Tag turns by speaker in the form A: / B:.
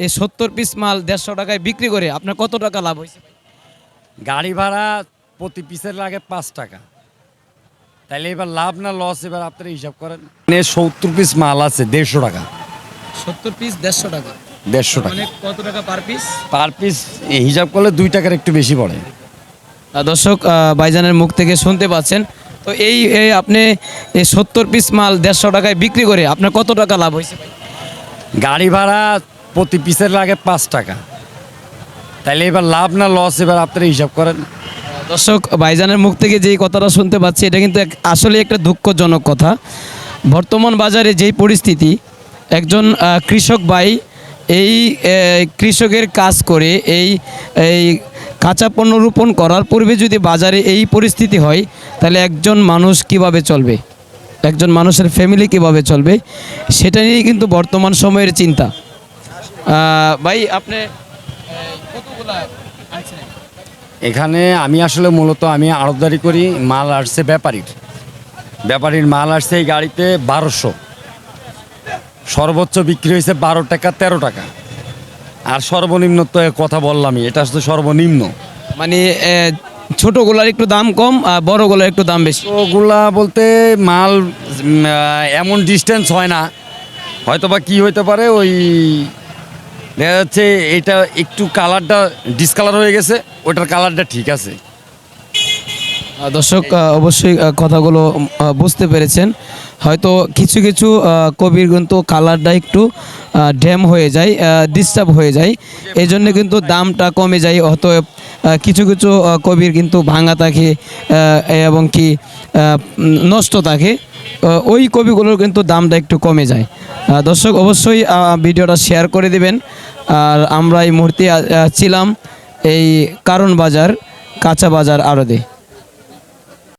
A: এই 70 পিস মাল 150 টাকায় বিক্রি করে আপনার কত টাকা লাভ হয়েছে?
B: গাড়ি ভাড়া প্রতি পিসের লাগে 5 টাকা। তাইলে এবার লাভ না লস এবার আপনারা হিসাব করেন। 70 পিস মাল আছে 150 টাকা।
A: 70 পিস 150 টাকা।
B: 150 টাকা
A: মানে কত টাকা পার পিস?
B: পার পিস হিসাব করলে 2 টাকার একটু বেশি পড়ে।
A: দর্শক ভাইজানের মুখ থেকে শুনতে পাচ্ছেন। তো এই আপনি এই 70 পিস মাল 150 টাকায় বিক্রি করে আপনার কত টাকা লাভ হয়েছে ভাই?
B: গাড়ি ভাড়া প্রতি পিসের লাগে 5 টাকা। তাইলে এবার লাভ না লস এবার আপনারা হিসাব করেন।
A: দর্শক ভাইজানের মুখ থেকে যেই কথাটা শুনতে পাচ্ছি এটা কিন্তু আসলে একটা দুঃখজনক কথা। বর্তমান বাজারে যেই পরিস্থিতি, একজন কৃষক ভাই এই কৃষকের কাজ করে এই এই কাঁচা পণ্য রোপণ করার পূর্বে যদি বাজারে এই পরিস্থিতি হয় তাহলে একজন মানুষ কিভাবে চলবে, একজন মানুষের ফ্যামিলি কিভাবে চলবে, সেটা নিয়েই কিন্তু বর্তমান সময়ের চিন্তা। ভাই আপনি কতগুলা আনছেন?
B: এখানে আমি আসলে মূলত আমি আড়তদারি করি, মাল আসছে ব্যাপারীর মাল আসছে এই গাড়িতে 1200, সর্বোচ্চ বিক্রি হয়েছে 12 টাকা 13 টাকা, আর সর্বনিম্ন তো কথা বললামই, এটা আসলে সর্বনিম্ন।
A: মানে ছোটোগুলার একটু দাম কম আর বড়গুলার একটু দাম বেশি।
B: ওগুলা বলতে মাল এমন ডিস্টেন্স হয় না, হয়তো বা কী হইতে পারে, ওই দেখা যাচ্ছে এটা একটু কালারটা ডিসকালার হয়ে গেছে, ওটার কালারটা ঠিক আছে।
A: দর্শক অবশ্যই কথাগুলো বুঝতে পেরেছেন। হয়তো কিছু কিছু কবির কিন্তু কালারটা একটু ড্যাম হয়ে যায়, ডিস্টার্ব হয়ে যায়, এই জন্য কিন্তু দামটা কমে যায়। অতএব কিছু কিছু কবির কিন্তু ভাঙা থাকে এবং কি নষ্ট থাকে, ওই কবিগুলোর কিন্তু দামটা একটু কমে যায়। দর্শক অবশ্যই ভিডিওটা শেয়ার করে দিবেন। আর আমরা এই মুহূর্তে ছিলাম এই কারণ বাজার কাঁচা বাজার আড়তে।